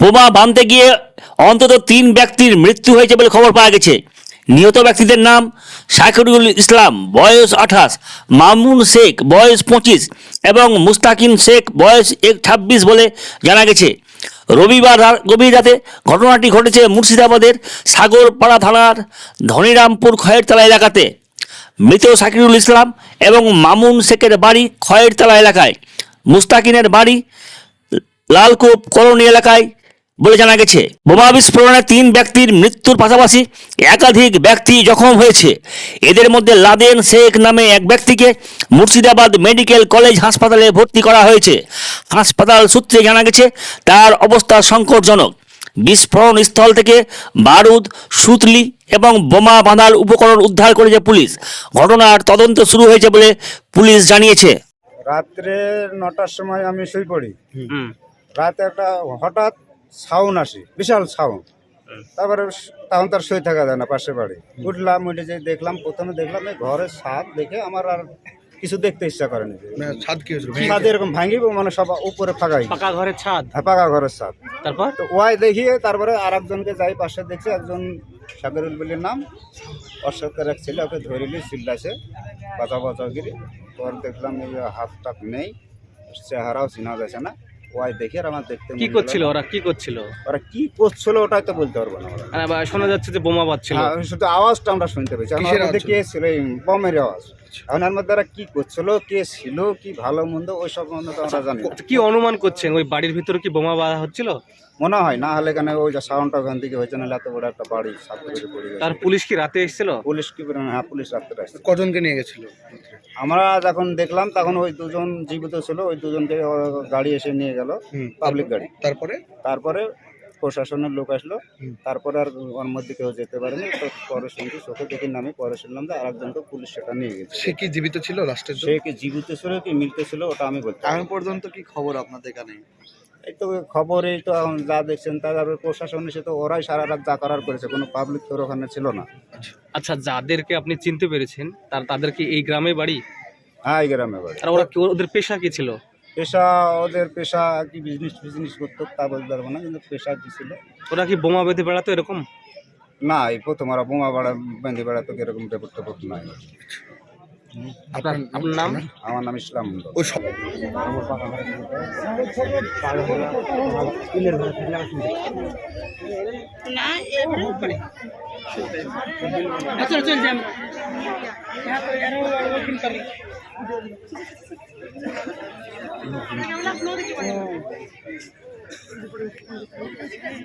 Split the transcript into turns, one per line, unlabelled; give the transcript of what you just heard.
বোমা বাঁধতে গিয়ে অন্তত 3 ব্যক্তির মৃত্যু হয়েছে বলে খবর পাওয়া গেছে। নিহত ব্যক্তিদের নাম শাকিরুল ইসলাম বয়স 28, মামুন শেখ বয়স 25 এবং মুস্তাকিন শেখ বয়স 26 বলে জানা গেছে। রবিবার গভীর রাতে ঘটনাটি ঘটেছে মুর্শিদাবাদের সাগরপাড়া থানার ধনিরামপুর খয়েরতলা এলাকাতে। মৃত শাকিরুল ইসলাম এবং মামুন শেখের বাড়ি খয়েরতলা এলাকায়, মুস্তাকিনের বাড়ি লালকূপ কলোনি এলাকায় বলে জানা গেছে। বোমা বিস্ফোরণে 3 ব্যক্তির মৃত্যুর পাশাপাশি একাধিক ব্যক্তি জখম হয়েছে। এদের মধ্যে লাদেন শেখ নামে এক ব্যক্তিকে মুর্শিদাবাদ মেডিকেল কলেজ হাসপাতালে ভর্তি করা হয়েছে। হাসপাতাল সূত্রে জানা গেছে তার অবস্থা সংকটজনক। বিস্ফোরণ স্থল থেকে বারুদ, সুতলি এবং বোমা বাঁধার উপকরণ উদ্ধার করেছে পুলিশ। ঘটনার তদন্ত শুরু হয়েছে বলে পুলিশ জানিয়েছে।
রাত্রে 9টার সময় আমি শুয়ে পড়ি। রাতে একটা হঠাৎ সাউন্ড আসে, বিশাল সাউন্ড। তারপরে তখন তার শুয়ে থাকা যায় না, পাশে বাড়ি। উঠলাম, উঠে যে দেখলাম, প্রথমে দেখলাম এই ঘরের ছাদ দেখে আমার আর কিছু দেখতে ইচ্ছা করেনি। ছাদ এরকম ভাঙিব, মানে সব উপরে ফাঁকাই,
পাকা ঘরের ছাদ।
হ্যাঁ, পাকা ঘরের ছাদ।
তারপর
তো ওয়াই দেখিয়ে তারপরে আর একজনকে যাই পাশে দেখছি, একজন সাগরুল বলির নাম, অশোকের এক ছেলে, ওকে ধরিলি চিল্লাছে বাঁচাগিরি। পর দেখলাম এই হাত টাক নেই, চেহারাও চিনা যাচ্ছে না। ওয়াই দেখে আর আমার দেখতে
কি করছিল ওরা, কি করছিল?
ওরা কি করছিল ওটাই তো বলতে পারবো না।
শোনা যাচ্ছে যে বোমা বাজছিল।
শুধু আওয়াজটা আমরা শুনতে পেয়েছি। আমার মধ্যে কে ছিল, এই বমের আওয়াজ। এখন এর মধ্যে ওরা কি করছিল, কে ছিল, কি ভালো মন্দ ওই সব মন্দ তো আমরা জানি না।
কি অনুমান করছেন, ওই বাড়ির ভিতরে কি বোমা বাঁধা হচ্ছিল?
মনে হয় না, হলে কেন ওই যে সাউন্ডটা ওখান থেকে হয়েছে, না এত বড় একটা বাড়ি সাথে পড়ে গেছে।
তার পুলিশ কি রাতে এসেছিল?
পুলিশ কি, হ্যাঁ পুলিশ রাত্রে আসছে।
কজনকে নিয়ে গেছিল?
আমরা যখন দেখলাম তখন ওই দুজন জীবিত ছিল, ওই দুজনকে গাড়ি এসে নিয়ে গেল, পাবলিক গাড়ি। তারপরে প্রশাসনের লোক আসলো। তারপরে আর ওর মধ্যে কেউ যেতে পারেনি। তো পরে শুনছি, চোখে দেখি নামে পরে শুনলাম যে আরেকজনকে পুলিশ সেটা নিয়ে গেছে।
সে কি জীবিত ছিল লাস্টের?
সে কি জীবিত ছিল কি মৃত ছিল ওটা আমি বলতে পারবো না।
এখন পর্যন্ত কি খবর আপনাদের কানে?
এই তো খবর, এই তো এখন যা দেখছেন তারপরে প্রশাসন এসে তো ওরাই সারা রাত যা করার করেছে, কোনো পাবলিক তোর ওখানে ছিল না।
আচ্ছা, যাদেরকে আপনি চিনতে পেরেছেন তাদের কি এই গ্রামে বাড়ি?
হ্যাঁ, এই গ্রামে বাড়ি।
আর ওরা কি, ওদের পেশা কি ছিল?
ওদের পেশা কি বিজনেস করতো তা বলতে পারবো না, কিন্তু পেশা কি ছিল।
ওরা কি বোমা বেঁধে বেড়াতো এরকম?
না, এই প্রথম ওরা বোমা বেঁধে বেড়াতো, এরকম রেপোর্ট নাই।
আপনার নাম?
আমার নাম ইসলাম মন্ডল।